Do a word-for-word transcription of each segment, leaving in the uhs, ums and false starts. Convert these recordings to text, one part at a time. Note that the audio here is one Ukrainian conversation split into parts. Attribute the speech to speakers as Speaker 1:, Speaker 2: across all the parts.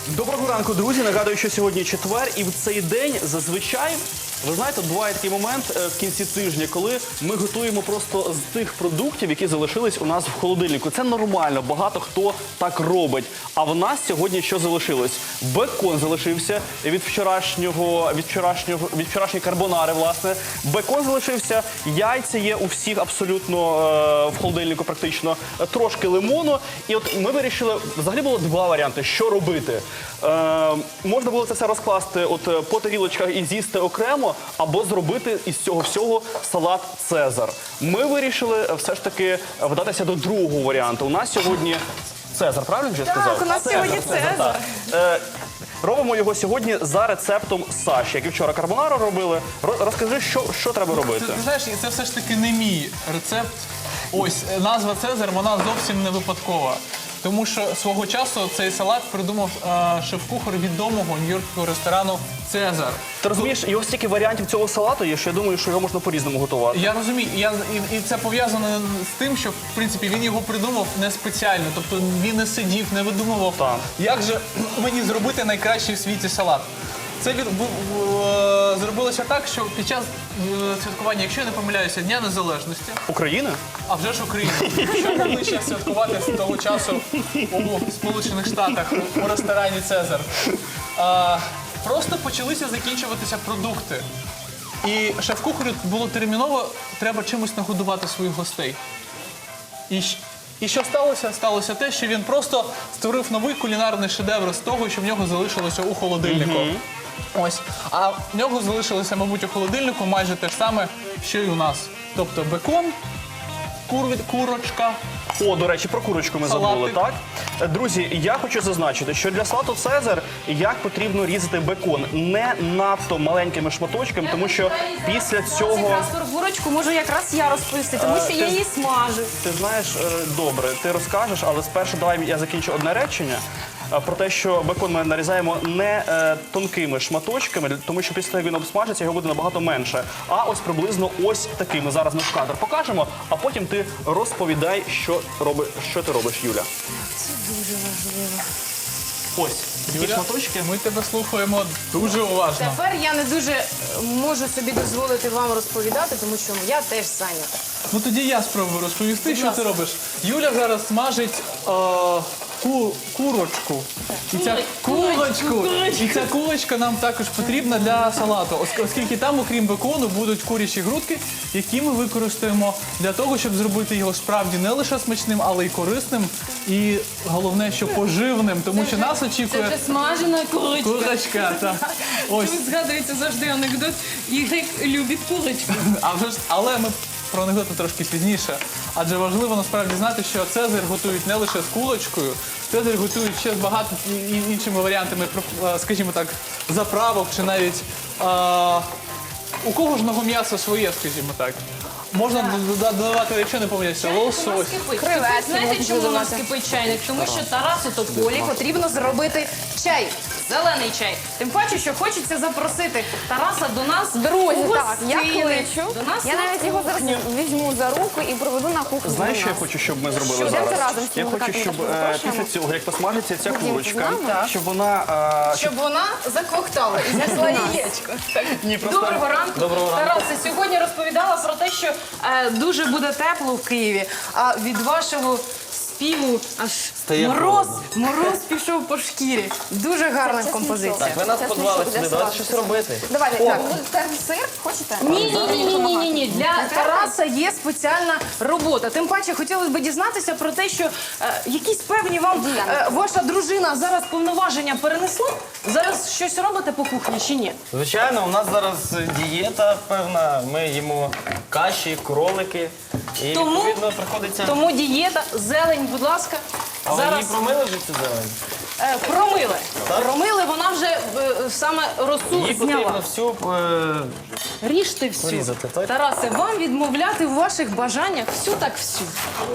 Speaker 1: Доброго ранку, друзі. Нагадую, що сьогодні четвер, і в цей день зазвичай, ви знаєте, буває такий момент в кінці тижня, коли ми готуємо просто з тих продуктів, які залишились у нас в холодильнику. Це нормально, багато хто так робить. А в нас сьогодні що залишилось? Бекон залишився від вчорашнього, від вчорашнього, від вчорашньої карбонари, власне. Бекон залишився, яйця є у всіх абсолютно е, в холодильнику практично, трошки лимону. І от ми вирішили, взагалі було два варіанти, що робити. Е, можна було це все розкласти от, по тарілочках і з'їсти окремо, або зробити із цього всього салат «Цезар». Ми вирішили все ж таки вдатися до другого варіанту. У нас сьогодні «Цезар», правильно вже сказав?
Speaker 2: Так, у нас сьогодні «Цезар».
Speaker 1: Е, робимо його сьогодні за рецептом Саші, як і вчора карбонару робили. Ро- Розкажи, що, що треба робити?
Speaker 3: Ти, ти знаєш, це все ж таки не мій рецепт. Ось, назва «Цезар», вона зовсім не випадкова. Тому що свого часу цей салат придумав е, шеф-кухар відомого нью-йоркського ресторану «Цезар».
Speaker 1: Ти розумієш, його стільки варіантів цього салату є, що я думаю, що його можна по-різному готувати.
Speaker 3: Я розумію, я, і, і це пов'язано з тим, що, в принципі, він його придумав не спеціально. Тобто він не сидів, не видумував,
Speaker 1: Так.
Speaker 3: як же мені зробити найкращий в світі салат. Це від, в, в, е, зробилося так, що під час е, святкування, якщо я не помиляюся, Дня Незалежності,
Speaker 1: Україна?
Speaker 3: а вже ж Україна, що найближче святкувати з того часу у Сполучених Штатах у ресторані «Цезар», а, просто почалися закінчуватися продукти. І шеф-кухарю було терміново, треба чимось нагодувати своїх гостей. І, щ- і що сталося? Сталося те, що він просто створив новий кулінарний шедевр з того, що в нього залишилося у холодильнику. Ось. А в нього залишилося, мабуть, у холодильнику майже те ж саме, що й у нас. Тобто бекон, кур- курочка.
Speaker 1: О, до речі, про курочку ми
Speaker 3: Салатик.
Speaker 1: забули, так? Е, Друзі, я хочу зазначити, що для салату «Цезар» як потрібно різати бекон не надто маленькими шматочками, тому що після цього...
Speaker 2: Якраз про курочку можу якраз я розповісти, тому що я її смажу.
Speaker 1: Ти знаєш, е, добре, ти розкажеш, але спершу давай я закінчу одне речення. е, Про те, що бекон ми нарізаємо не е, тонкими шматочками, для- тому що після того, як він обсмажиться, його буде набагато менше. А ось приблизно ось такими. Зараз ми в кадр покажемо, а потім ти розповідай, що, роби, що ти робиш, Юля.
Speaker 2: Це дуже важливо.
Speaker 1: Ось такі
Speaker 3: Юля,
Speaker 1: шматочки.
Speaker 3: Ми тебе слухаємо дуже уважно.
Speaker 2: Тепер я не дуже е, можу собі дозволити вам розповідати, тому що я теж зайнята.
Speaker 3: Ну тоді я спробую розповісти, що
Speaker 2: ласка.
Speaker 3: ти робиш. Юля зараз смажить е, ку, курочку. І ця курочку. І ця курочка нам також потрібна для салату, ос- оскільки там, окрім бекону, будуть курячі грудки, які ми використаємо для того, щоб зробити його справді не лише смачним, але й корисним. І головне, що поживним, тому що нас
Speaker 4: Це
Speaker 3: очікує
Speaker 4: вже смажена курочка.
Speaker 3: курочка. Так. Ось.
Speaker 4: Тут згадується завжди анекдот. Ігрик любить курочку.
Speaker 3: А вже ж, але ми про анекдоти трошки пізніше. Адже важливо насправді знати, що «Цезар» готують не лише з курочкою, «Цезар» готують ще з багато і- і- іншими варіантами, е, скажімо так, заправок чи навіть е, у кожного м'яса своє, скажімо так. Можна дода- додавати, якщо не помиляюся, лосось.
Speaker 2: Креветки
Speaker 4: Знаєте,
Speaker 2: можна
Speaker 4: чому у нас
Speaker 2: додати.
Speaker 4: кипить чайник? Тому що Тарасу Тополі
Speaker 2: Потрібно зробити чай.
Speaker 4: зелений чай. Тим паче, що хочеться запросити Тараса до нас.
Speaker 2: Друзі,
Speaker 4: у
Speaker 2: так, я
Speaker 4: гостини.
Speaker 2: кличу.
Speaker 4: До нас
Speaker 2: Я
Speaker 4: на
Speaker 2: навіть його зараз
Speaker 4: кухню.
Speaker 2: візьму за руку і проведу на кухню.
Speaker 1: Знаєш,
Speaker 2: до
Speaker 1: що я
Speaker 2: нас.
Speaker 1: хочу, щоб ми зробили
Speaker 2: Що?
Speaker 1: зараз?
Speaker 2: Йдемте разом з
Speaker 1: Я
Speaker 2: цими
Speaker 1: хочу,
Speaker 2: музикантами
Speaker 1: щоб
Speaker 2: трошки
Speaker 1: е,
Speaker 2: запрошуємо.
Speaker 1: після цього, як посмажиться ця
Speaker 2: Ходімте
Speaker 1: курочка,
Speaker 2: з нами.
Speaker 1: щоб вона... е,
Speaker 4: Щоб вона закохтала і знесла яєчко.
Speaker 1: Ні, просто...
Speaker 4: Доброго ранку.
Speaker 1: Доброго ранку.
Speaker 4: Тарасе, сьогодні розповідала про те, що е, дуже буде тепло в Києві, а від вашого співу аж мороз, мороз пішов по шкірі.
Speaker 2: Дуже гарна композиція.
Speaker 5: Так, ви нас
Speaker 2: Це
Speaker 5: подвали
Speaker 2: смішок для
Speaker 5: сюди, давайте
Speaker 2: салату.
Speaker 5: щось робити.
Speaker 2: Давайте, так. Будете сир? Хочете?
Speaker 4: Ні, ні, ні, ні, ні, ні, ні. Для Тараса є спеціальна робота. Тим паче хотілося б дізнатися про те, що е, якісь певні вам е, ваша дружина зараз повноваження перенесла. Зараз щось робите по кухні чи ні?
Speaker 5: Звичайно, у нас зараз дієта певна, ми їмо каші, кролики. І
Speaker 4: Тому-
Speaker 5: відповідно приходиться.
Speaker 4: Тому дієта, зелень, будь ласка.
Speaker 5: А ви
Speaker 4: Зараз
Speaker 5: її промили вже цю зелень?
Speaker 4: е, промили.
Speaker 5: Так?
Speaker 4: Промили, вона вже е, саме росу
Speaker 5: Її потрібно
Speaker 4: зняла.
Speaker 5: всю е,
Speaker 4: Ріжте всю.
Speaker 5: порізати, так?
Speaker 4: Тарасе, вам відмовляти в ваших бажаннях всю так всю.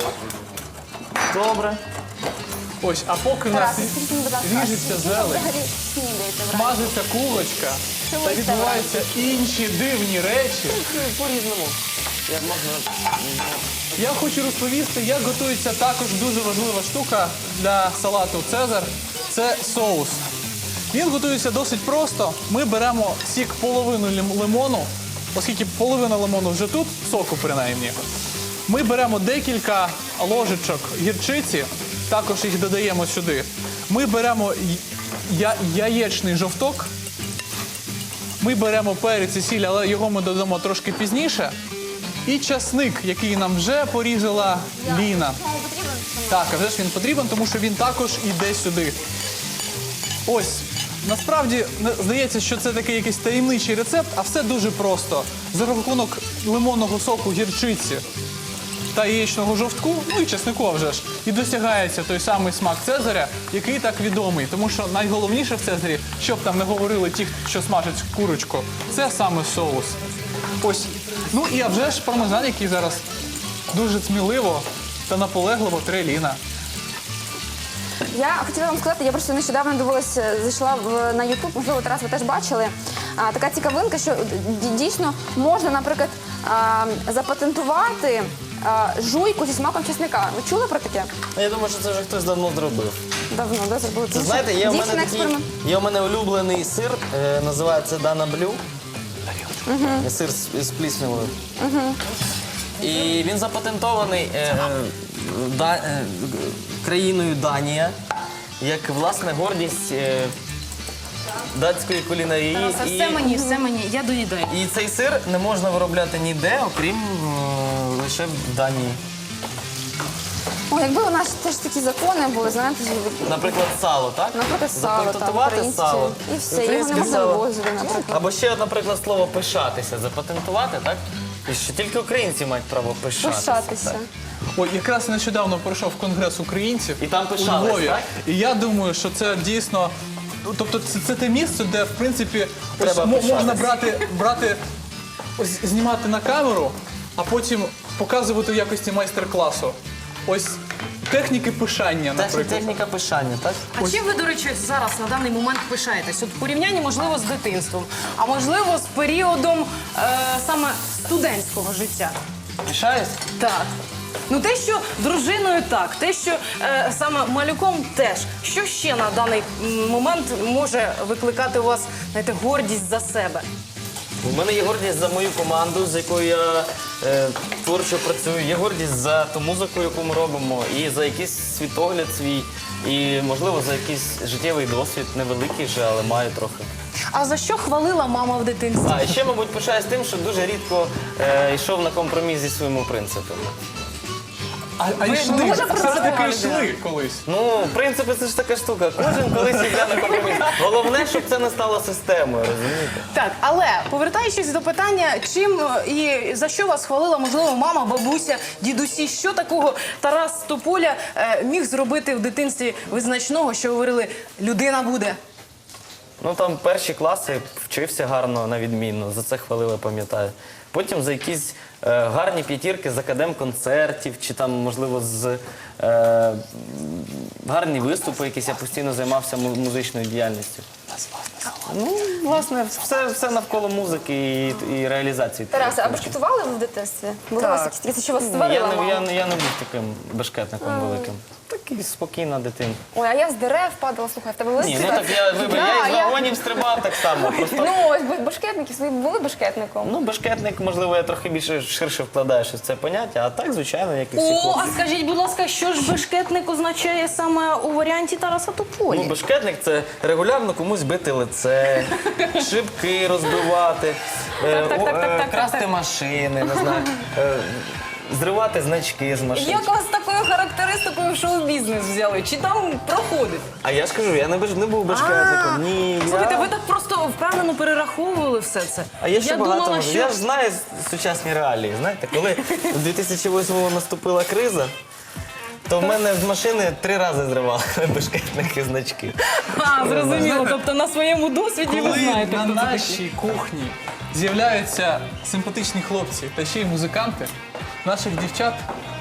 Speaker 5: добре.
Speaker 3: Ось, а поки в нас
Speaker 2: Тарас, скажіть мені, будь ласка,
Speaker 3: ріжеться
Speaker 2: а
Speaker 3: зелень,
Speaker 2: взагалі снідаєте вранці?
Speaker 3: смажиться курочка
Speaker 2: Що ви
Speaker 3: та
Speaker 2: їсте
Speaker 3: відбуваються інші дивні речі.
Speaker 5: По-різному. Як можна.
Speaker 3: Я хочу розповісти, як готується також дуже важлива штука для салату «Цезар». Це соус. Він готується досить просто. Ми беремо сік половину лим- лимону, оскільки половина лимону вже тут, соку принаймні. Ми беремо декілька ложечок гірчиці, також їх додаємо сюди. Ми беремо я- яєчний жовток. Ми беремо перець і сіль, але його ми додамо трошки пізніше. І часник, який нам вже порізала Ліна. Так, а вже ж він потрібен, тому що він також іде сюди. Ось, насправді, не- здається, що це такий якийсь таємничий рецепт, а все дуже просто. За рахунок лимонного соку, гірчиці та яєчного жовтку, ну і чеснику, а вже ж, і досягається той самий смак Цезаря, який так відомий. Тому що найголовніше в Цезарі, щоб там не говорили ті, що смажать курочку, це саме соус. Ось. Ну і а вже ж пармезан, який зараз дуже сміливо та наполегливо тре Ліна.
Speaker 6: Я хотіла вам сказати, я просто нещодавно дивилася, зайшла в, на Ютуб, можливо, Тарас, ви теж бачили. А, така цікавинка, що д- дійсно можна, наприклад, а, запатентувати а, жуйку зі смаком чесника. Ви чули про таке?
Speaker 5: Я думаю, що це вже хтось давно зробив.
Speaker 6: Давно, да, зробили.
Speaker 5: Це, знаєте, є у
Speaker 6: Дійсно,
Speaker 5: мене такий,
Speaker 6: експеримент.
Speaker 5: є у мене улюблений сир, е, називається Дана Блю. Сир з, з пліснявою. І він запатентований е, е, да, е, країною Данія, як власне гордість е, датської кулінарії.
Speaker 4: Тараса,
Speaker 5: І-
Speaker 4: все мені, все мені, я доїдаю.
Speaker 5: І цей сир не можна виробляти ніде, окрім е, лише в Данії.
Speaker 6: О, якби у нас теж такі закони були, знаєте,
Speaker 5: Наприклад, сало, так?
Speaker 6: наприклад, сало, там,
Speaker 5: Запатентувати
Speaker 6: українське,
Speaker 5: сало.
Speaker 6: і все, його не
Speaker 5: Українське
Speaker 6: можна
Speaker 5: сало.
Speaker 6: вивозити, наприклад.
Speaker 5: Або ще, наприклад, слово пишатися, запатентувати, так? І що тільки українці мають право пишатися.
Speaker 6: Пишатися.
Speaker 5: так.
Speaker 3: Ой, якраз нещодавно пройшов конгрес українців
Speaker 5: І там
Speaker 3: у
Speaker 5: пишались,
Speaker 3: Львові.
Speaker 5: так?
Speaker 3: І я думаю, що це дійсно. ну, Тобто це, це те місце, де в принципі ось,
Speaker 5: Треба
Speaker 3: мо- можна
Speaker 5: пишатись.
Speaker 3: брати, брати ось, знімати на камеру, а потім показувати в якості майстер-класу. Ось техніки пишання,
Speaker 5: Тех-
Speaker 3: наприклад.
Speaker 5: Техніка пишання, так?
Speaker 4: А чим ви, до речі, зараз на даний момент пишаєтесь? От в порівнянні, можливо, з дитинством, а можливо, з періодом е, саме студентського життя.
Speaker 5: Пишаюсь?
Speaker 4: Так. Ну те, що дружиною так, те, що е, саме малюком теж. Що ще на даний м, момент може викликати у вас, знаєте, гордість за себе?
Speaker 5: У мене є гордість за мою команду, з якою я е, творчо працюю. Є гордість за ту музику, яку ми робимо, і за якийсь світогляд свій, і, можливо, за якийсь життєвий досвід, невеликий же, але маю трохи.
Speaker 4: А за що хвалила мама в дитинстві?
Speaker 5: А і ще, мабуть, пишаюсь тим, що дуже рідко е, йшов на компроміс зі своїми принципами.
Speaker 3: А, а йшли,
Speaker 4: дуже
Speaker 3: все ж таки
Speaker 4: працювали,
Speaker 3: йшли колись.
Speaker 5: Ну, принципи, це ж така штука. Кожен колись йде на компроміс. Головне, щоб це не стало системою, розумієте?
Speaker 4: Так, але повертаючись до питання, чим е, і за що вас хвалила, можливо, мама, бабуся, дідусі, що такого Тарас Тополя е, міг зробити в дитинстві визначного, що говорили, людина буде.
Speaker 5: Ну, там перші класи вчився гарно, на відмінно, за це хвалили, пам'ятаю. Потім за якісь е, гарні п'ятірки з академ-концертів, чи там, можливо, з е, гарні виступи, якісь я постійно займався му- музичною діяльністю. Ну, власне, все, все навколо музики і, і реалізації.
Speaker 6: Тарасе, а башкетували ви в дитинстві? Були у вас якісь такі, що вас
Speaker 5: Ні,
Speaker 6: створила
Speaker 5: я, не,
Speaker 6: мама?
Speaker 5: я, не- я не був таким бешкетником великим. Такий спокійна дитина.
Speaker 6: Ой, а я з дерев падала, слухай, в тебе були
Speaker 5: Ні, ну
Speaker 6: ситуації?
Speaker 5: так я, вибач, я
Speaker 6: Да,
Speaker 5: із
Speaker 6: я-
Speaker 5: вагонів стрибав так само. Просто,
Speaker 6: Ну, ось б- башкетники, ви були башкетником?
Speaker 5: ну, бешкетник, можливо, я трохи більше ширше вкладаю щось в це поняття, а так, звичайно, як і всі
Speaker 4: О,
Speaker 5: хлопці.
Speaker 4: а скажіть, будь ласка, що ж бешкетник означає саме у варіанті Тараса Тополі?
Speaker 5: Ну, бешкетник – це регулярно комусь бити лице, шибки розбивати, е,
Speaker 4: так,
Speaker 5: о-
Speaker 4: так, так,
Speaker 5: е,
Speaker 4: так,
Speaker 5: красти
Speaker 4: так.
Speaker 5: машини, не знаю, е, зривати значки з машин.
Speaker 4: Як вас такою характеристикою в шоу-бізнес взяли? Чи там проходить?
Speaker 5: А я ж кажу, я не, беш- не був бешкетником. Ні,
Speaker 4: Слухайте,
Speaker 5: я...
Speaker 4: ви так просто впевнено перераховували все це.
Speaker 5: А я ще
Speaker 4: Я
Speaker 5: багато
Speaker 4: думала,
Speaker 5: можу.
Speaker 4: що...
Speaker 5: Я ж знаю сучасні реалії. Знаєте, коли у дві тисячі восьмому наступила криза, то в мене з машини три рази зривали бешкетники значки.
Speaker 4: А, зрозуміло. Тобто на своєму досвіді ви
Speaker 3: Коли
Speaker 4: знаєте,
Speaker 3: на
Speaker 4: хто це такий.
Speaker 3: нашій кухні з'являються симпатичні хлопці та ще й музиканти, наших дівчат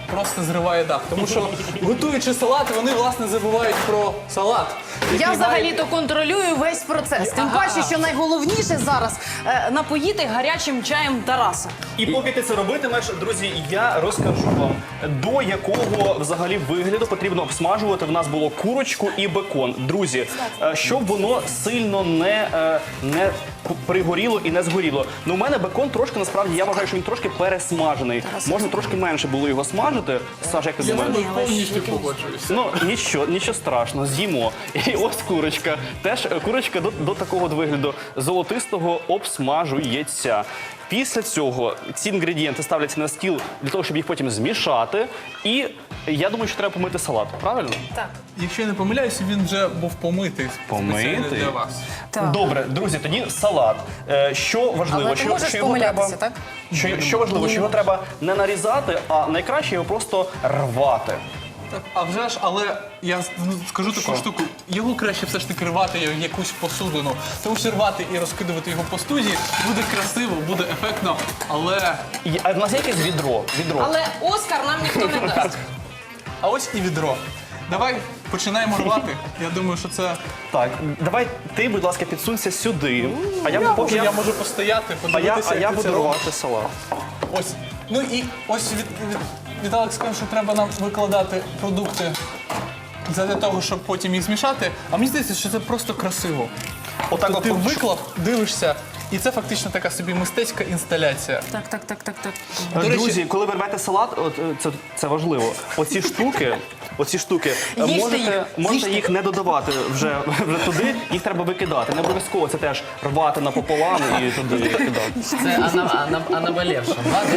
Speaker 3: просто зриває дах. Тому що, готуючи салат, вони, власне, забувають про салат. який
Speaker 4: Я
Speaker 3: має-
Speaker 4: взагалі-то контролюю весь процес. Тим паче, що найголовніше зараз е, напоїти гарячим чаєм Тараса.
Speaker 1: І поки ти це робитимеш, друзі, я розкажу вам, до якого взагалі вигляду потрібно обсмажувати. В нас було курочку і бекон. Друзі, е, щоб воно сильно не, е, не пригоріло і не згоріло. Ну, у мене бекон трошки, насправді, я вважаю, що він трошки пересмажений. Можна трошки менше було його смажити. Саш, як ти
Speaker 3: Я з
Speaker 1: думаєш?
Speaker 3: тобою повністю погоджуюся.
Speaker 1: Ну, нічого, нічого страшного, з'їмо. І ось курочка. Теж е, курочка до, до такого от вигляду золотистого обсмажується. Після цього ці інгредієнти ставляться на стіл для того, щоб їх потім змішати. І я думаю, що треба помити салат. Правильно?
Speaker 4: Так.
Speaker 3: Якщо я не помиляюся, він вже був помитий
Speaker 1: Помитий?
Speaker 3: спеціально для вас.
Speaker 4: Так.
Speaker 1: Добре, друзі, тоді салат. Е, Що важливо,
Speaker 4: Але ти
Speaker 1: що,
Speaker 4: можеш
Speaker 1: що його треба,
Speaker 4: помилятися, так?
Speaker 1: що, що важливо, що його треба не нарізати, а найкраще його просто рвати.
Speaker 3: Так, а вже ж, але я ну, скажу таку штуку, його краще все ж таки рвати в якусь посудину. Тому що рвати і розкидувати його по студії буде красиво, буде ефектно, але...
Speaker 1: І- А в нас є якесь відро? Відро.
Speaker 4: Але Оскар нам ніхто не дасть.
Speaker 3: А ось і відро. Давай починаємо рвати. Я думаю, що це...
Speaker 1: Так, давай ти, будь ласка, підсунься сюди. А я,
Speaker 3: Я,
Speaker 1: поки
Speaker 3: можу,
Speaker 1: я,
Speaker 3: я можу постояти,
Speaker 1: а я,
Speaker 3: подивитися,
Speaker 1: а я
Speaker 3: як ти
Speaker 1: буду
Speaker 3: це робиш.
Speaker 1: рвати салат.
Speaker 3: Ось. Ну і ось від, від, Віталик сказав, що треба нам викладати продукти для того, щоб потім їх змішати. А мені здається, що це просто красиво.
Speaker 1: Отак
Speaker 3: Тобто ти
Speaker 1: от-
Speaker 3: виклав, дивишся, і це фактично така собі мистецька інсталяція.
Speaker 4: Так, так, так, так, так.
Speaker 3: До речі-
Speaker 1: Друзі, коли ви рвете салат, от, е, це, це важливо. Оці штуки, оці штуки, е,
Speaker 4: Їжте
Speaker 1: можете,
Speaker 4: їх,
Speaker 1: можете
Speaker 4: їжте.
Speaker 1: їх не додавати вже, вже туди, їх треба викидати. Не обов'язково це теж рвати напополам і туди викидати.
Speaker 7: Це ана, ана, а наболівша.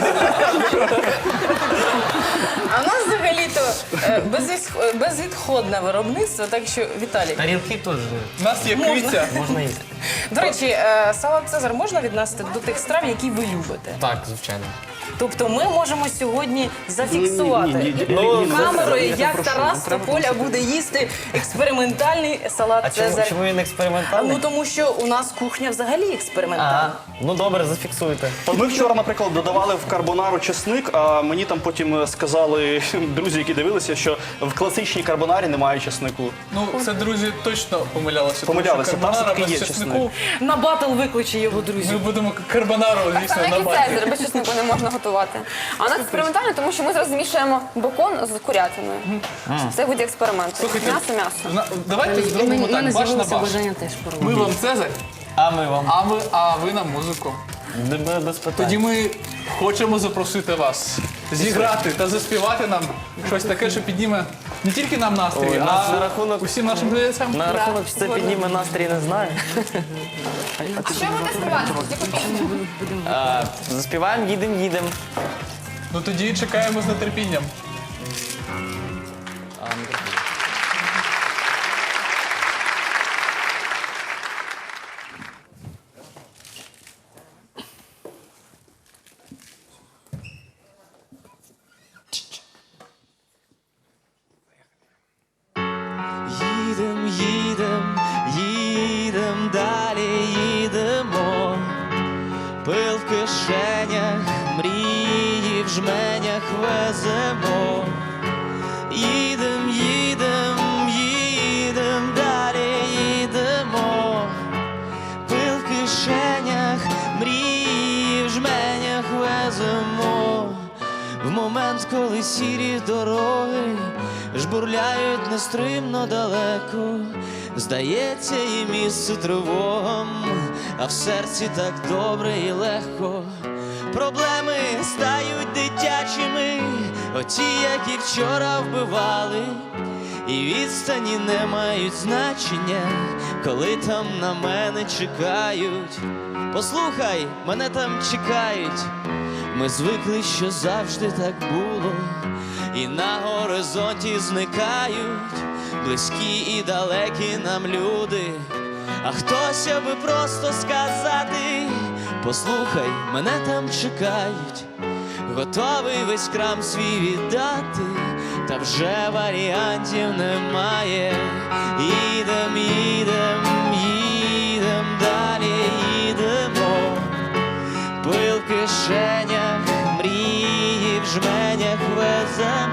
Speaker 4: А в нас взагалі-то е, безвісх- безвідходне виробництво, так що, Віталій.
Speaker 7: Тарілки теж
Speaker 3: У нас є киця.
Speaker 7: можна їсти.
Speaker 4: До речі, е, салат Цезар можна віднести до тих страв, які ви любите?
Speaker 7: Так, звичайно.
Speaker 4: Тобто ми можемо сьогодні зафіксувати
Speaker 1: Ну,
Speaker 4: камерою,
Speaker 1: я
Speaker 4: як
Speaker 1: попрошу,
Speaker 4: Тарас
Speaker 1: не треба
Speaker 4: Тополя буде їсти експериментальний салат
Speaker 5: А чому,
Speaker 4: Цезар.
Speaker 5: чому він експериментальний?
Speaker 4: Ну тому що у нас кухня взагалі експериментальна.
Speaker 5: А, ну добре, зафіксуйте.
Speaker 1: От ми вчора, наприклад, додавали в карбонару чесник, а мені там потім сказали друзі, які дивилися, що в класичній карбонарі немає чеснику.
Speaker 3: Ну, це, друзі, точно помилялися.
Speaker 1: Помилялися,
Speaker 3: Тому що
Speaker 1: там
Speaker 3: карбонара
Speaker 1: все-таки
Speaker 3: без
Speaker 1: є
Speaker 3: чеснику.
Speaker 4: На батл викличе його
Speaker 3: Ми
Speaker 4: друзів.
Speaker 3: будемо карбонару, звісно,
Speaker 6: Саме
Speaker 3: на
Speaker 6: як і
Speaker 3: базі.
Speaker 6: Цезар, без чеснику не можна готувати. А у нас експериментально, тому що ми зараз змішуємо бекон з курятиною. Це буде експеримент.
Speaker 3: Слухайте,
Speaker 6: М'ясо, м'ясо.
Speaker 3: На- Давайте зробимо так, баш на баш.
Speaker 4: теж
Speaker 3: Ми вам Цезарь,
Speaker 5: А ми вам.
Speaker 3: а ви, а ви нам музику.
Speaker 5: Д- Без питань.
Speaker 3: Тоді ми хочемо запросити вас зіграти та заспівати нам щось таке, що підніме не тільки нам настрій,
Speaker 5: Ой,
Speaker 3: а
Speaker 5: нас на рахунок-
Speaker 3: усім нашим глядачам.
Speaker 5: На рахунок, що це підніме настрій, не знаю.
Speaker 6: А що будете співати? Яку пісню?
Speaker 5: А, заспіваємо, їдемо, їдемо.
Speaker 3: Ну тоді чекаємо з нетерпінням.
Speaker 8: Їдем, їдем, їдем, далі їдемо. Пил в кишенях, мрії в жменях веземо. Їдем, їдем, їдем, далі їдемо. Пил в кишенях, мрії в жменях веземо. В момент, коли сірі дороги жбурляють нестримно далеко, здається, і місце тривогам, а в серці так добре і легко. Проблеми стають дитячими, оті, які вчора вбивали, і відстані не мають значення, коли там на мене чекають. Послухай, мене там чекають. Ми звикли, що завжди так було, і на горизонті зникають близькі і далекі нам люди. А хтось аби просто сказати: послухай, мене там чекають. Готовий весь крам свій віддати, та вже варіантів немає. Їдем, їдем, їдем, далі їдемо. Пил в кишенях, мрії в жменях веземо.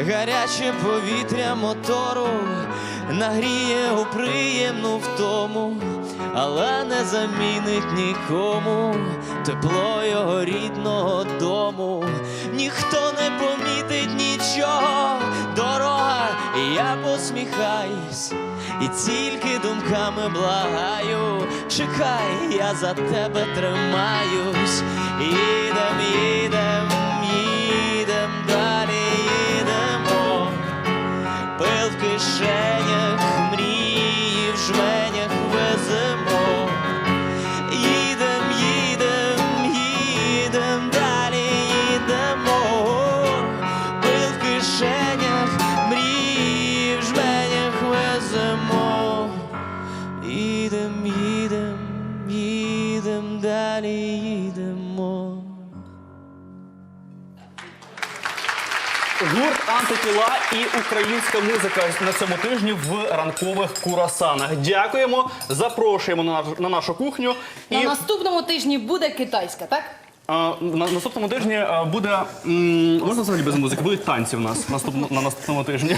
Speaker 8: гаряче повітря мотору нагріє у приємну втому, але не замінить нікому тепло його рідного дому. Ніхто не помітить нічого, дорога, і я посміхаюсь, і тільки думками благаю, чекай, я за тебе тримаюсь. Їдем, їдем, їдем, далі їдемо, пил в кишенях, мрії в жменях веземо. Їдем, їдем, їдем, далі їдемо, пил в кишенях, мрії в жменях веземо. Їдем, їдем, їдем, далі їдемо.
Speaker 1: Гурт «Антитіла» і українська музика на цьому тижні в ранкових курасанах. Дякуємо, запрошуємо на, наш- на нашу кухню. І
Speaker 4: На наступному тижні буде китайська, так?
Speaker 1: а, на наступному тижні а, буде, м, можна взагалі без музики, будуть танці в нас наступно, на наступному тижні.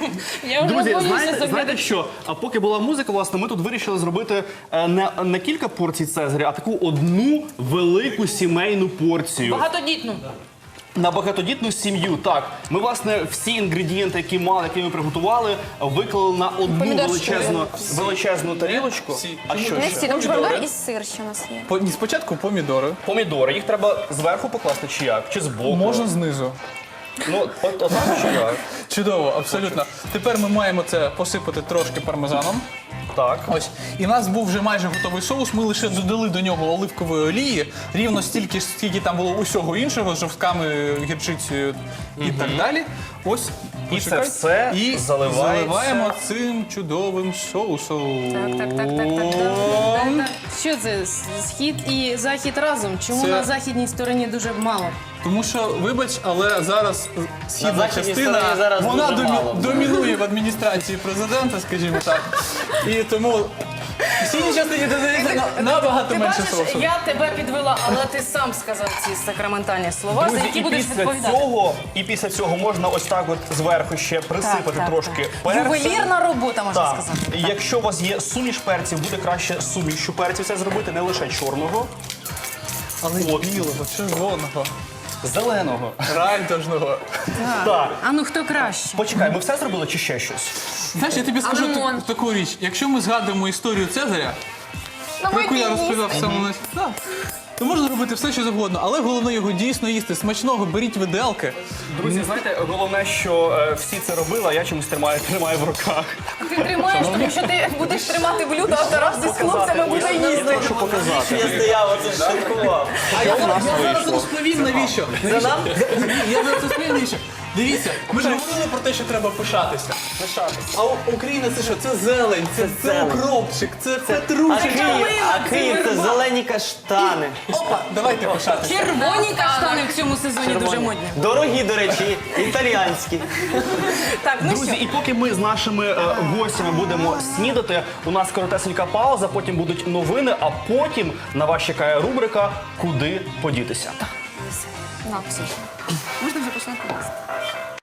Speaker 4: Я вже
Speaker 1: Друзі,
Speaker 4: боюся
Speaker 1: знаєте,
Speaker 4: заглядати.
Speaker 1: знаєте що? А поки була музика, власне, ми тут вирішили зробити е, не, не кілька порцій Цезаря, а таку одну велику сімейну порцію.
Speaker 4: Багатодітну.
Speaker 1: На багатодітну сім'ю, так. Ми, власне, всі інгредієнти, які мали, які ми приготували, виклали на одну
Speaker 2: Помідорчики.
Speaker 1: величезну, величезну тарілочку.
Speaker 3: Всі.
Speaker 1: А що
Speaker 6: Не
Speaker 1: ще?
Speaker 6: всі, там помідори і сир ще у нас є.
Speaker 3: По- ні, Спочатку помідори,
Speaker 1: Помідори. Їх треба зверху покласти чи як? Чи збоку?
Speaker 3: можна знизу.
Speaker 1: Ну, от, от так чи як?
Speaker 3: Чудово, абсолютно. Тепер ми маємо це посипати трошки пармезаном.
Speaker 1: Так.
Speaker 3: Ось. І в нас був вже майже готовий соус. Ми лише додали до нього оливкової олії, рівно стільки, скільки там було усього іншого, з жовтками, гірчицею і так далі. Ось.
Speaker 1: І це
Speaker 3: почекай.
Speaker 1: все
Speaker 3: і
Speaker 1: заливається.
Speaker 3: заливаємо цим чудовим соусом.
Speaker 4: Так, так, так, так, так, так, так, так. Що це? Схід і захід разом? Чому
Speaker 3: Це-
Speaker 4: на західній стороні дуже мало?
Speaker 3: Тому що, вибач, але зараз східна
Speaker 5: західній
Speaker 3: частина,
Speaker 5: стороні зараз
Speaker 3: вона
Speaker 5: дуже
Speaker 3: домі-
Speaker 5: мало.
Speaker 3: домінує в адміністрації президента, скажімо так. І тому в східній частині додається на- набагато
Speaker 4: Ти
Speaker 3: менше
Speaker 4: бачиш,
Speaker 3: соусу.
Speaker 4: я тебе підвела, але ти сам сказав ці сакраментальні слова, за
Speaker 1: Друзі,
Speaker 4: які
Speaker 1: і
Speaker 4: будеш
Speaker 1: після
Speaker 4: відповідати.
Speaker 1: цього, і після цього можна ось так от зверху ще присипати
Speaker 4: так,
Speaker 1: трошки
Speaker 4: так.
Speaker 1: перцем.
Speaker 4: Ювелірна робота, можна
Speaker 1: Так.
Speaker 4: сказати.
Speaker 1: Якщо у вас є суміш перців, буде краще сумішю перців це зробити, не лише чорного,
Speaker 3: Але
Speaker 1: От.
Speaker 3: білого, червоного,
Speaker 1: зеленого.
Speaker 3: райдужного.
Speaker 1: Так.
Speaker 4: А ну хто краще?
Speaker 1: Почекай, ми все зробили чи ще щось?
Speaker 3: Знаєш, я тобі скажу
Speaker 4: лимон?
Speaker 3: та- таку річ. Якщо ми згадуємо історію Цезаря, про яку я розповідав в самому началі, так, то можна робити все, що завгодно, але головне його дійсно їсти. Смачного, беріть виделки.
Speaker 1: Друзі, знаєте, головне, що е, всі це робили, а я чомусь тримаю, тримаю в руках.
Speaker 4: Ти тримаєш, тому що ти будеш тримати блюдо, а Тарас з хлопцями буде
Speaker 1: Я
Speaker 4: їсти.
Speaker 1: хочу показати.
Speaker 5: Я стояв, оце шокував.
Speaker 3: А я,
Speaker 1: у нас
Speaker 3: я зараз
Speaker 1: вийшло?
Speaker 3: розповім, навіщо.
Speaker 5: Це нам?
Speaker 3: Я зараз розповім, навіщо. Дивіться, ми ж говорили про те, що треба пишатися.
Speaker 1: Пишатися.
Speaker 3: А У- Україна це що? Це зелень, це, це
Speaker 5: зелень.
Speaker 3: укропчик, це
Speaker 5: А
Speaker 3: петрушка.
Speaker 5: Київ, а Київ це зелені каштани.
Speaker 3: Опа, давайте пишатися.
Speaker 4: Червоні каштани в цьому сезоні дуже модні.
Speaker 5: Дорогі, до речі, італіянські.
Speaker 4: Так, ну
Speaker 1: Друзі,
Speaker 4: що?
Speaker 1: і поки ми з нашими е, гостями будемо снідати, у нас коротесенька пауза, потім будуть новини, а потім на вас чекає рубрика «Куди подітися».
Speaker 6: На, все. Можна вже починати їсти.